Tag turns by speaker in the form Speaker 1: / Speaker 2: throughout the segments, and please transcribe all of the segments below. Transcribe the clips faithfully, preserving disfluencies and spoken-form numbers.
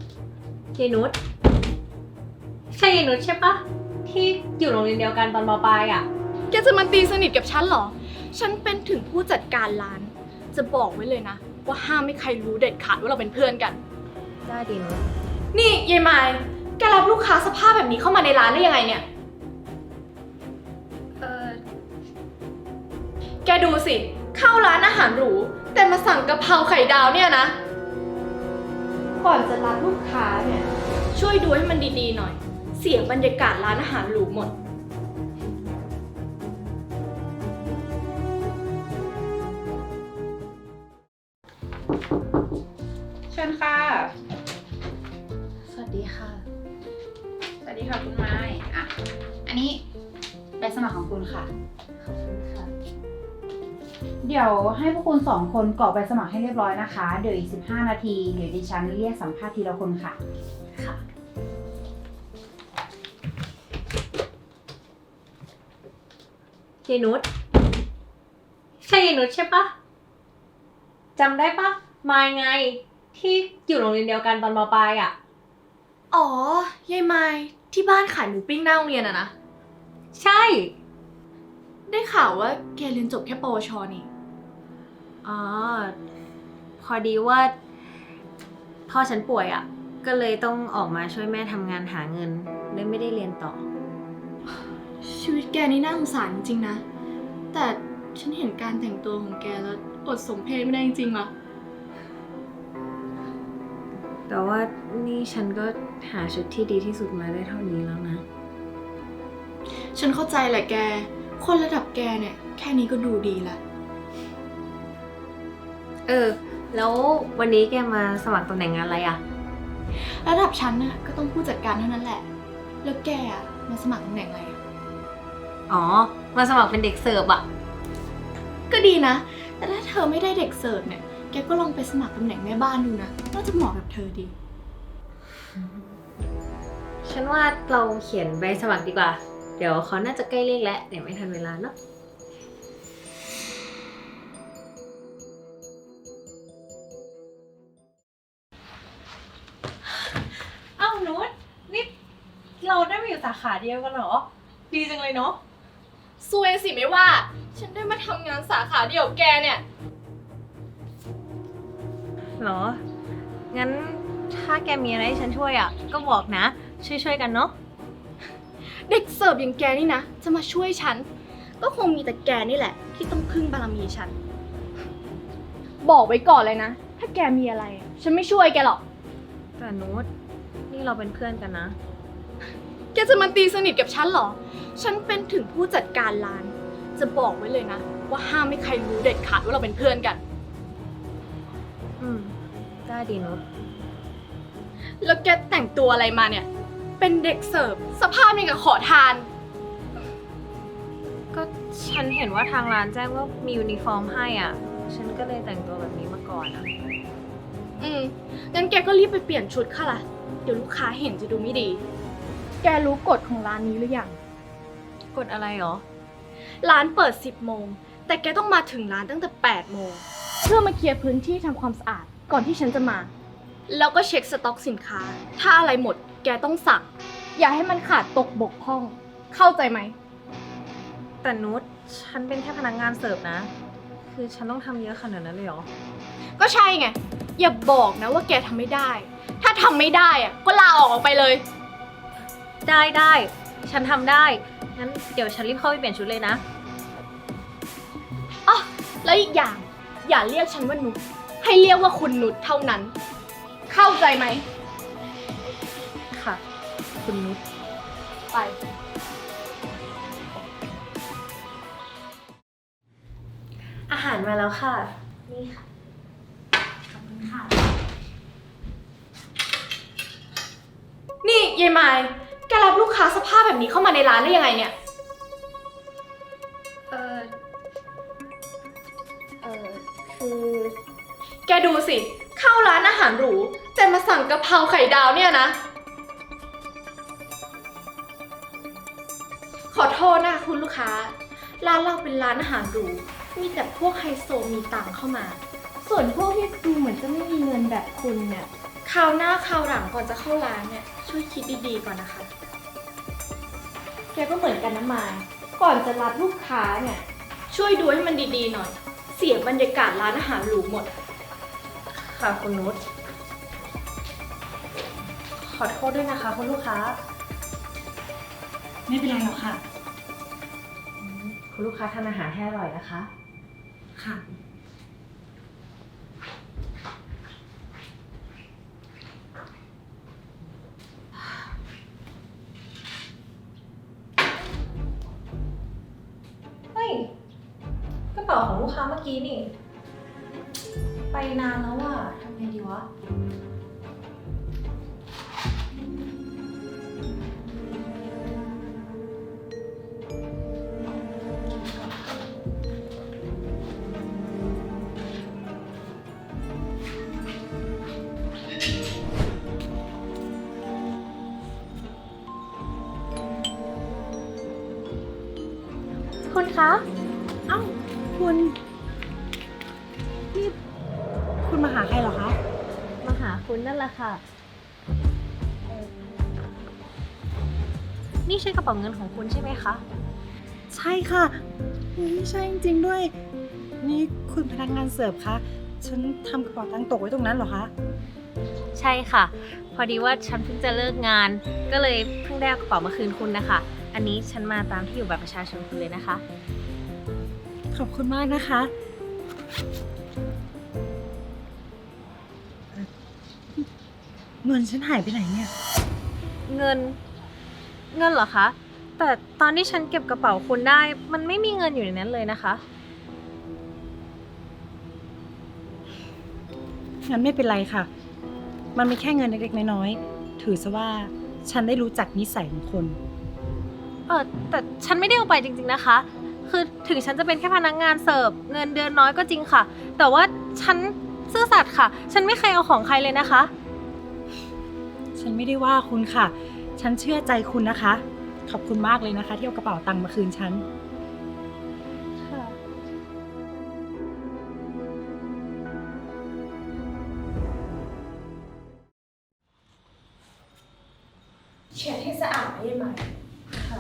Speaker 1: ยายนุชใช่ยายนุชใช่ปะที่อยู่โรงเรียนเดียวกันตอนม.ปลายอ่ะ
Speaker 2: แกจะมาตีสนิทกับฉันเหรอฉันเป็นถึงผู้จัดการร้านจะบอกไว้เลยนะว่าห้ามไม่ใครรู้เด็ดขาดว่าเราเป็นเพื่อนกัน
Speaker 1: ได้ดีนุช
Speaker 2: นี่ยายไม้แกรับลูกค้าสภาพแบบนี้เข้ามาในร้านได้ยังไงเนี่ย
Speaker 1: เออ
Speaker 2: แกดูสิเข้าร้านอาหารหรูแต่มาสั่งกะเพราไข่ดาวเนี่ยนะก่อนจะรับลูกค้าเนี่ยช่วยดูให้มันดีๆหน่อยเสียบรรยากาศร้านอาหารหรูหมด
Speaker 3: เชิญค่ะ
Speaker 1: สวัสดีค่ะ
Speaker 3: สวัสดีค่ะคุณไม้อ่ะอันนี้ใบสมัครของคุณค่ะ
Speaker 1: ขอบคุณค่ะ
Speaker 3: เดี๋ยวให้พวกคุณสองคนกรอกใบสมัครให้เรียบร้อยนะคะเดี๋ยวอีกสิบห้านาทีเดี๋ยวดิฉันเรียกสัมภาษณ์ทีละคนค่ะ
Speaker 1: ค่ะยายนุชใช่ยายนุชใช่ปะจำได้ปะมายไงที่อยู่โรงเรียนเดียวกันตอนม.ปลายอ่ะ
Speaker 2: อ๋อยายไม้ที่บ้านขายหมูปิ้งหน้าโรงเรียนอะนะ
Speaker 1: ใช่
Speaker 2: ได้ข่าวว่าแกเรียนจบแค่ปวชนี่
Speaker 1: อ๋อพอดีว่าพ่อฉันป่วยอ่ะก็เลยต้องออกมาช่วยแม่ทำงานหาเงินเลยไม่ได้เรียนต่อ
Speaker 2: ชีวิตแกนี่น่าสงสารจริงๆนะแต่ฉันเห็นการแต่งตัวของแกแล้วอดสมเพชไม่ได้จริงๆว่ะ
Speaker 1: แต่ว่านี่ฉันก็หาชุดที่ดีที่สุดมาได้เท่านี้แล้วนะ
Speaker 2: ฉันเข้าใจแหละแกคนระดับแกเนี่ยแค่นี้ก็ดูดีละ
Speaker 1: เออแล้ววันนี้แกมาสมัครตำแหน่งงานอะไรอะ
Speaker 2: ระดับฉันน่ะก็ต้องผู้จัดการเท่านั้นแหละแล้วแกอะมาสมัครตำแหน่งอะไร
Speaker 1: อ๋อมาสมัครเป็นเด็กเสิร์ฟอะ
Speaker 2: ก็ดีนะแต่ถ้าเธอไม่ได้เด็กเสิร์ฟเนี่ยแกก็ลองไปสมัครตำแหน่งแม่บ้านดูนะน่าจะเหมาะกับเธอดี
Speaker 1: ฉันว่าเราเขียนใบสมัครดีกว่าเดี๋ยวเขาน่าจะใกล้เรียกแล้วเดี๋ยวไม่ทันเวลาเนาะเอ้านุชนี่เราได้มาอยู่สาขาเดียวกันเหรอดีจังเลยเนาะ
Speaker 2: ซวยสิไม่ว่าฉันได้มาทำงานสาขาเดียวกับแกเนี่ย
Speaker 1: หรองั้นถ้าแกมีอะไรให้ฉันช่วยอ่ะก็บอกนะช่วยๆกันเนาะ
Speaker 2: เด็กเสิร์ฟอย่างแกนี่นะจะมาช่วยฉันก็คงมีแต่แกนี่แหละที่ต้องพึ่งบารมีฉันบอกไว้ก่อนเลยนะถ้าแกมีอะไรฉันไม่ช่วยแกหรอก
Speaker 1: แต่นุชนี่เราเป็นเพื่อนกันนะ
Speaker 2: แกจะมาตีสนิทกับฉันเหรอฉันเป็นถึงผู้จัดการร้านจะบอกไว้เลยนะว่าห้ามไม่ใครรู้เด็ดขาดว่าเราเป็นเพื่อนกัน
Speaker 1: อืมได้ดีนุช
Speaker 2: แล้วแกแต่งตัวอะไรมาเนี่ยเป็นเด็กเสิร์ฟสภาพนี่กับขอทาน
Speaker 1: ก็ฉันเห็นว่าทางร้านแจ้งว่ามียูนิฟอร์มให้อ่ะฉันก็เลยแต่งตัวแบบนี้มาก่อนอ่ะ
Speaker 2: อืมงั้นแกก็รีบไปเปลี่ยนชุดค่ะล่ะเดี๋ยวลูกค้าเห็นจะดูไม่ดีแกรู้กฎของร้านนี้หรือยัง
Speaker 1: กฎอะไรหรอ
Speaker 2: ร้านเปิดสิบโมงแต่แกต้องมาถึงร้านตั้งแต่แปดโมงเพื่อมาเคลียร์พื้นที่ทำความสะอาดก่อนที่ฉันจะมาแล้วก็เช็คสต็อกสินค้าถ้าอะไรหมดแกต้องสั่งอย่าให้มันขาดตกบกพร่องเข้าใจไหม
Speaker 1: แต่นุชฉันเป็นแค่พนักงานเสิร์ฟนะคือฉันต้องทำเยอะขนาดนั้นเลยเหรอ
Speaker 2: ก็ใช่ไงอย่าบอกนะว่าแกทำไม่ได้ถ้าทำไม่ได้อะก็ลาออกออกไปเลย
Speaker 1: ได้ได้ฉันทำได้งั้นเดี๋ยวฉันรีบเข้าไปเปลี่ยนชุดเลยนะ
Speaker 2: อ๋อแล้วอีกอย่างอย่าเรียกฉันว่านุชให้เรียกว่าคุณนุชเท่านั้นเข้าใจไหม
Speaker 1: ค่ะคุณนุช
Speaker 2: ไป
Speaker 1: อาหารมาแล้วค่ะนี่ค่ะขอบคุณค่ะ
Speaker 2: นี่ยายไม้แกรับลูกค้าสภาพแบบนี้เข้ามาในร้านได้ยังไงเนี่ย
Speaker 1: เออเออคือ
Speaker 2: แกดูสิเข้าร้านอาหารหรูแต่มาสั่งกะเพราไข่ดาวเนี่ยนะขอโทษนะคุณลูกค้าร้านเราเป็นร้านอาหารหรูมีแต่พวกไฮโซมีตังค์เข้ามาส่วนพวกที่ดูเหมือนจะไม่มีเงินแบบคุณเนี่ยคราวหน้าคราวหลังก่อนจะเข้าร้านเนี่ยช่วยคิดดีๆก่อนนะคะ
Speaker 1: แกก็เหมือนกันนะมายก่อนจะรับลูกค้าเนี่ย
Speaker 2: ช่วยดูให้มันดีๆหน่อย เสียบรรยากาศร้านอาหารหรูหมด
Speaker 1: ค่ะคุณนุช ขอโทษด้วยนะคะคุณลูกค้า
Speaker 3: ไม่เป็นไรหรอกค่ะ
Speaker 1: คุณลูกค้าทานอาหารให้อร่อยนะคะ
Speaker 3: ค่ะ
Speaker 1: เฮ้ย กระเป๋าของลูกค้าเมื่อกี้นี่ ไปนานแล้วอ่ะทำไงดีวะ คุณคะ
Speaker 3: เอ้า คุณ นี่ คุณมาหาใครเหรอคะ
Speaker 1: มาหาคุณนั่นแหละค่ะ นี่ใช่กระเป๋าเงินของคุณใช่ไหมคะ
Speaker 4: ใช่ค่ะอุ๊ยใช่จริงๆด้วย นี่คุณพนักงานเสิร์ฟคะ ฉันทำกระเป๋าตังค์ตกไว้ตรงนั้นเหรอคะ
Speaker 1: ใช่ค่ะ พอดีว่าฉันเพิ่งจะเลิกงาน ก็เลยเพิ่งได้เอากระเป๋ามาคืนคุณนะคะ อันนี้ฉันมาตามที่อยู่บัตรประชาชนคุณเลยนะคะ
Speaker 4: ขอบคุณมากนะคะเอ่อเงินฉันหายไปไหนเนี่ย
Speaker 1: เงิน เงินเหรอคะ แต่ตอนที่ฉันเก็บกระเป๋าคุณได้ มันไม่มีเงินอยู่ในนั้นเลยนะคะ
Speaker 4: งั้นไม่เป็นไรค่ะ มันไม่แค่เงินเล็กๆน้อยๆ ถือซะว่าฉันได้รู้จักนิสัยของคน
Speaker 1: เออแต่ฉันไม่ได้เอาไปจริงๆนะคะ คือถึงฉันจะเป็นแค่พนักงานเสิร์ฟเงินเดือนน้อยก็จริงค่ะ แต่ว่าฉันซื่อสัตย์ค่ะ ฉันไม่เคยเอาของใครเลยนะคะ
Speaker 4: ฉันไม่ได้ว่าคุณค่ะ ฉันเชื่อใจคุณนะคะ ขอบคุณมากเลยนะคะ ที่เอากระเป๋าตังค์มาคืนฉัน
Speaker 1: ค่ะ
Speaker 2: เช็ดให้สะอาดได้ไหม
Speaker 1: ค่ะ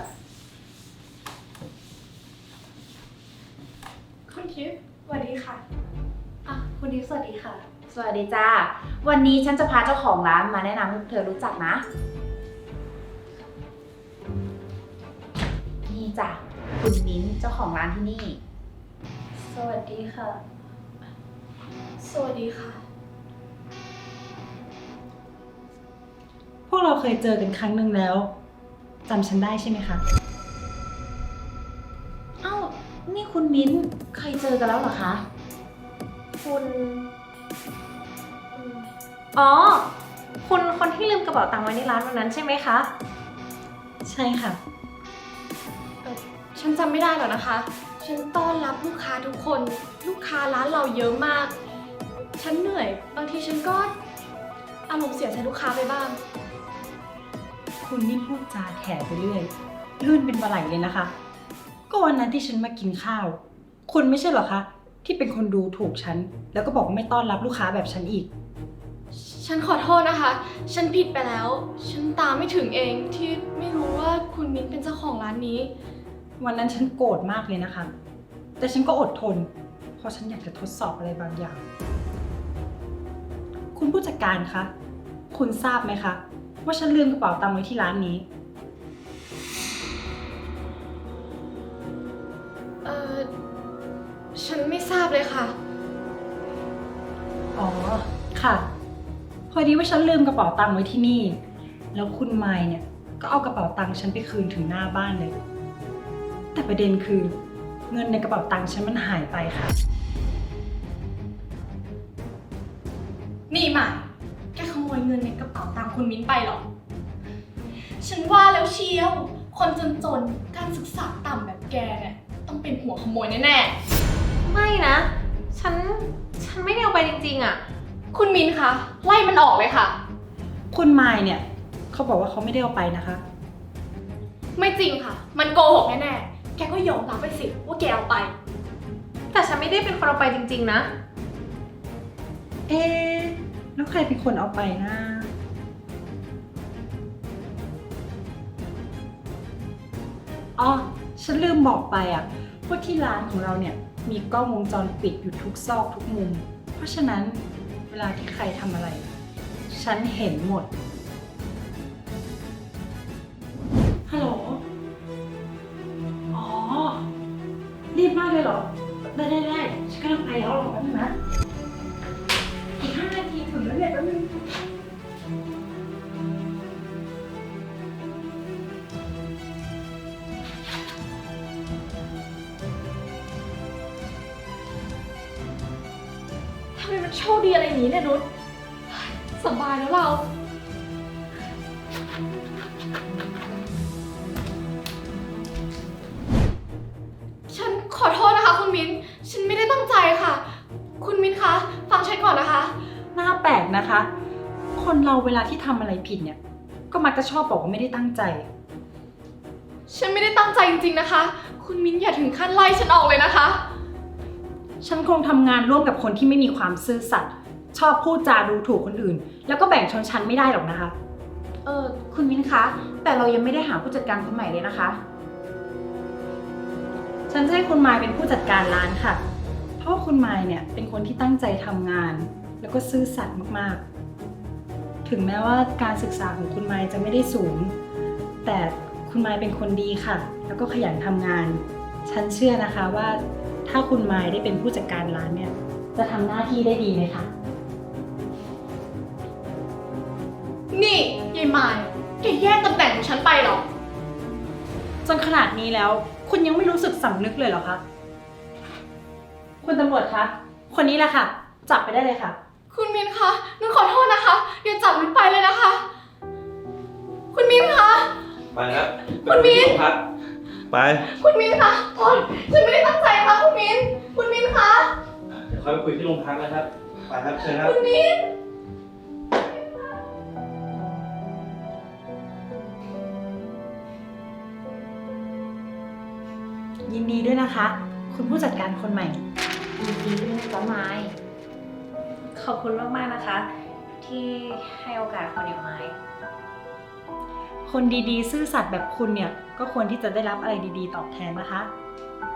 Speaker 2: คุณทิพย์สวัสดีค่ะ
Speaker 1: อ่ะคุณดิฟสวัสดีค่ะ
Speaker 3: สวัสดีจ้า วันนี้ฉันจะพาเจ้าของร้านมาแนะนำให้เธอรู้จักนะ นี่จ้ะ คุณมิ้นท์เจ้าของร้านที่นี่
Speaker 1: สวัสดีค่ะ
Speaker 2: สวัสดีค่ะ
Speaker 4: พวกเราเคยเจอกันครั้งหนึ่งแล้วจำฉันได้ใช่ไหมคะ
Speaker 3: เอ้า นี่คุณมิ้นท์เคยเจอกันแล้วเหรอคะ
Speaker 1: คุณอ๋อ คุณคนที่ลืมกระเป๋าตังค์ไว้ในร้านวันนั้นใช่ไหมคะ
Speaker 4: ใช่ค่ะ
Speaker 2: ฉันจำไม่ได้หรอกนะคะ ฉันต้อนรับลูกค้าทุกคน ลูกค้าร้านเราเยอะมาก ฉันเหนื่อย บางทีฉันก็อารมณ์เสียใส่ลูกค้าไปบ้าง
Speaker 4: คุณนี่พูดจาแถไปเรื่อยลื่นเป็นปลาไหลเลยนะคะ ก็วันนั้นที่ฉันมากินข้าว คุณไม่ใช่เหรอคะ ที่เป็นคนดูถูกฉัน แล้วก็บอกว่าไม่ต้อนรับลูกค้าแบบฉันอีก
Speaker 2: ฉันขอโทษนะคะ ฉันผิดไปแล้ว ฉันตามไม่ถึงเองที่ไม่รู้ว่าคุณมิ้นเป็นเจ้าของร้านนี้
Speaker 4: วันนั้นฉันโกรธมากเลยนะคะ แต่ฉันก็อดทน เพราะฉันอยากจะทดสอบอะไรบางอย่าง คุณผู้จัดการคะ คุณทราบไหมคะ ว่าฉันลืมกระเป๋าตังค์ไว้ที่ร้านนี้
Speaker 2: เออฉันไม่ทราบเลยค่ะ
Speaker 4: อ๋อ ค่ะ พอดีว่าฉันลืมกระเป๋าตังค์ไว้ที่นี่ แล้วคุณไมค์เนี่ยก็เอากระเป๋าตังค์ฉันไปคืนถึงหน้าบ้านเลย แต่ประเด็นคือเงินในกระเป๋าตังค์ฉันมันหายไปค่ะ
Speaker 2: นี่หมายแกขโมยเงินในกระเป๋าตังค์คุณมิ้นไปเหรอ ฉันว่าแล้วเชียว คนจนๆ การศึกษาต่ำแบบแกเนี่ยต้องเป็นหัวขโมยแน่
Speaker 1: ไม่นะ ฉัน ฉันไม่ได้เอาไปจริงๆอะ
Speaker 2: ๆ คุณมิ้นคะ ไล่มันออกเลยค่ะ
Speaker 4: คุณไมค์เนี่ยเขาบอกว่าเขาไม่ได้เอาไปนะคะ
Speaker 2: ไม่จริงค่ะ มันโกหกแน่ๆ แกก็ยอมรับไปสิว่าแกเอาไป
Speaker 1: แต่ฉันไม่ได้เป็นคนเอาไปจริงๆนะ
Speaker 4: เอ๊ะแล้วใครเป็นคนเอาไปนะ อ๋อ ฉันลืมบอกไปอ่ะว่าที่ร้านของเราเนี่ยมีกล้องวงจรปิดอยู่ทุกซอกทุกมุม เพราะฉะนั้นเวลาที่ใครทำอะไร ฉันเห็นหมด ฮัลโหล อ๋อ รีบมากเลยเหรอ ได้ได้ได้ฉันกำลังไปแล้วหรอกแป๊บนึงนะ อีกห้านาทีถึงแล้วเนี่ยแป๊บนึง
Speaker 2: ทำไมมันโชคดีอะไรอย่างนี้เนี่ยนุชสบายแล้วเรา ฉันขอโทษนะคะคุณมิ้น ฉันไม่ได้ตั้งใจค่ะ คุณมิ้นคะ ฟังฉันก่อนนะคะ
Speaker 4: น่าแปลกนะคะ คนเราเวลาที่ทำอะไรผิดเนี่ย ก็มักจะชอบบอกว่าไม่ได้ตั้งใจ
Speaker 2: ฉันไม่ได้ตั้งใจจริงๆนะคะ คุณมิ้นอย่าถึงขั้นไล่ฉันออกเลยนะคะ
Speaker 4: ฉันคงทำงานร่วมกับคนที่ไม่มีความซื่อสัตย์ชอบพูดจาดูถูกคนอื่น แล้วก็แบ่งชนชั้นไม่ได้หรอกนะคะ
Speaker 3: เออคุณมิ้นคะ แต่เรายังไม่ได้หาผู้จัดการคนใหม่เลยนะคะ
Speaker 4: ฉันจะให้คุณมายเป็นผู้จัดการร้านค่ะ เพราะว่าคุณมายเนี่ยเป็นคนที่ตั้งใจทำงาน แล้วก็ซื่อสัตย์มากๆ ถึงแม้ว่าการศึกษาของคุณมายจะไม่ได้สูง แต่คุณมายเป็นคนดีค่ะ แล้วก็ขยันทำงาน ฉันเชื่อนะคะว่าถ้าคุณมายได้เป็นผู้จัดการร้านเนี่ย จะทำหน้าที่ได้ดีเลยค่ะ
Speaker 2: นี่ยายมายแกแย่งตำแหน่งของฉันไปเหรอ
Speaker 4: จนขนาดนี้แล้ว คุณยังไม่รู้สึกสำนึกเลยเหรอคะ คุณตำรวจคะ คนนี้แหละค่ะ จับไปได้เลยค่ะ
Speaker 2: คุณมิ้นคะนุชขอโทษนะคะ อย่าจับนุชไปเลยนะคะ คุณมิ้นคะ
Speaker 5: ไปครับ
Speaker 2: คุณมิ้น
Speaker 5: ไปที่โรงพักไป
Speaker 2: คุณมิ้นคะโอ๊ยฉันไม่ได้ตั้งใจค่ะคุณมิ้น คุณมิ้นคะ
Speaker 5: เดี๋ยวค่อยไปคุยที่โรงพักนะครับ ไปครับเชิญครับ
Speaker 2: คุณมิ้น
Speaker 4: ยินดีด้วยนะคะ คุณผู้จัดการคนใหม่
Speaker 3: ยินดีด้วยนะจ๊ะไม้
Speaker 1: ขอบคุณมากๆนะคะ ที่ให้โอกาสคนอย่างไม้
Speaker 4: คนดีๆ ซื่อสัตย์แบบคุณเนี่ย ก็ควรที่จะได้รับอะไรดีๆ ตอบแทนนะคะ